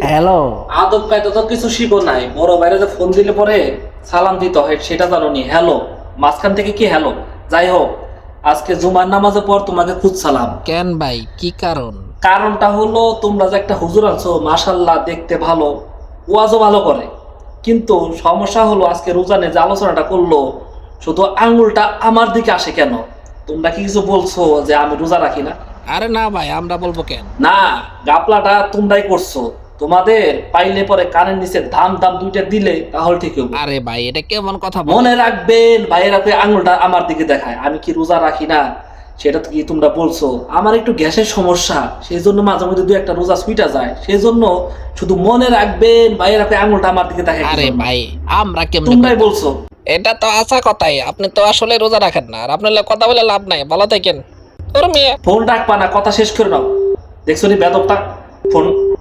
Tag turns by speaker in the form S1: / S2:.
S1: Hello.
S2: আদব কায়দা তো কিছু শিখো নাই, বড় বাইরে যে ফোন দিলে পরে সালাম দিতে হয় সেটা জানো নি। হ্যালো মাঝখান থেকে কি হ্যালো? যাই হোক, আজকে জুমার নামাজের পর তোমাকে সালাম।
S1: কেন ভাই, কি কারণ?
S2: কারণটা হলো তোমরা যে একটা হুজুর আছো, মাশাল্লাহ দেখতে ভালো, ওয়াজও ভালো করে, কিন্তু সমস্যা হলো আজকে রোজানে যে আলোচনাটা করলো শুধু আঙ্গুলটা আমার দিকে আসে কেন? তোমরা কি কিছু বলছো যে আমি রোজা রাখি না?
S1: আরে না ভাই, আমরা বলবো কেন?
S2: না, গাপলাটা তোমরাই করছো। তোমাদের পাইলে পরে কানের নিচে দাম দাম দুইটা দিলে তাহলে ঠিক হবে।
S1: আরে ভাই, এটা কেমন কথা বল?
S2: মনে রাখবেন, বাইরে আঙুলটা আমার দিকে দেখায়, আমি কি রোজা রাখি না সেটা তো কি তোমরা বলছো? আমার একটু গ্যাসের সমস্যা, সেই জন্য মাঝে মধ্যে দু একটা রোজা সুইটা যায়, সেই জন্য শুধু মনে রাখবেন বাইরে আঙুলটা আমার দিকে দেখায়।
S1: আরে ভাই, আমরা কেমন?
S2: তোমরাই বলছো।
S1: এটা তো আশা কথাই, আপনি তো আসলে রোজা রাখেন না, আর আপনার লগে কথা বলে লাভ নাই, ভালো থাকেন। তোর মেয়ে
S2: ফোন রাখবা না, কথা শেষ করে নাও। দেখছো নি বেদবটা? ফোন